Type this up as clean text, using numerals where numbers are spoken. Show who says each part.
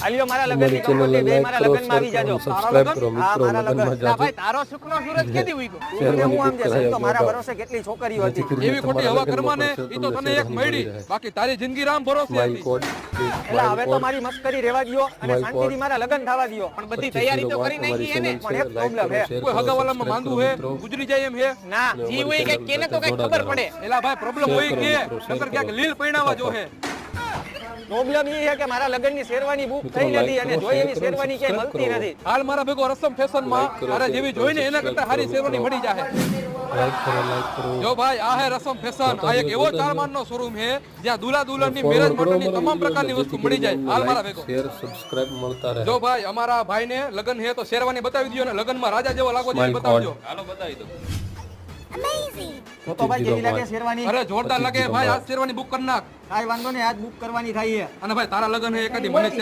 Speaker 1: આલિયો મારા લગનની કંકોત્રી બે મારા લગનમાં આવી જાજો.
Speaker 2: સબસ્ક્રાઇબ કરો
Speaker 1: હા,
Speaker 2: મિત્રો,
Speaker 1: મારા
Speaker 2: લગનમાં
Speaker 1: લગન.
Speaker 2: જાજો.
Speaker 3: ભાઈ તારો શુક્નો સૂરજ કેદી ઉગ્યો?
Speaker 1: હું આમ જે સંતો મારા ભરોસે કેટલી છોકરીઓ હતી.
Speaker 3: એવી ખોટી હવા કરમાને ઈ તો તને એક મળી, બાકી તારી જિંદગી રામ ભરોસે
Speaker 2: માય
Speaker 3: હતી.
Speaker 2: કોડ
Speaker 1: એટલે હવે તો મારી મસ્કરી રહેવા દ્યો અને શાંતિથી મારા લગન થવા દ્યો.
Speaker 3: પણ બધી તૈયારી તો કરી નાખી એને.
Speaker 1: પણ એક પ્રોબ્લેમ હે.
Speaker 3: કોઈ હગાવાલામાં માંગવું હે, ગુજરી જાય એમ હે.
Speaker 1: ના,
Speaker 3: જી હોય કે કેને તો કઈ ખબર પડે. એલા ભાઈ પ્રોબ્લેમ હોય કે નકર ક્યાંક લીલ પૈણાવા જો હે.
Speaker 1: પ્રોબ્લેમ એ છે કે મારા લગનની શેરવાની બુક થઈ નથી અને જોઈ એવી શેરવાની ક્યાંય મળતી નથી.
Speaker 3: હાલ મારા ભેગો રસમ ફેશન માં તારે જેવી જોઈને એના કરતા સારી શેરવાની મળી જાહે.
Speaker 2: લાઈક કરો
Speaker 3: જો ભાઈ આ હે રસમ ફેશન, આ એક એવો ચારમાનનો શોરૂમ હે જ્યાં દુલ્હા દુલ્હનની મેરેજ માટેની તમામ પ્રકારની વસ્તુ મળી જાય. હાલ મારા ભેગો
Speaker 2: શેર સબસ્ક્રાઇબ મળતા રહે.
Speaker 3: જો ભાઈ અમારા ભાઈને લગન હે તો શેરવાની બતાવી દો ને લગનમાં રાજા જેવો લાગો છે બતાવજો. હાલો બતાવી દો.
Speaker 1: તો તો ભાઈ કેવી લાગે શેરવાની?
Speaker 3: અરે જોરદાર લાગે ભાઈ, આ શેરવાની બુક કરી નાખ.
Speaker 1: કાંઈ વાંધો નહીં, આજ બુક કરવાની થાય છે.
Speaker 3: અને ભાઈ તારા લગન હે એકાદી મને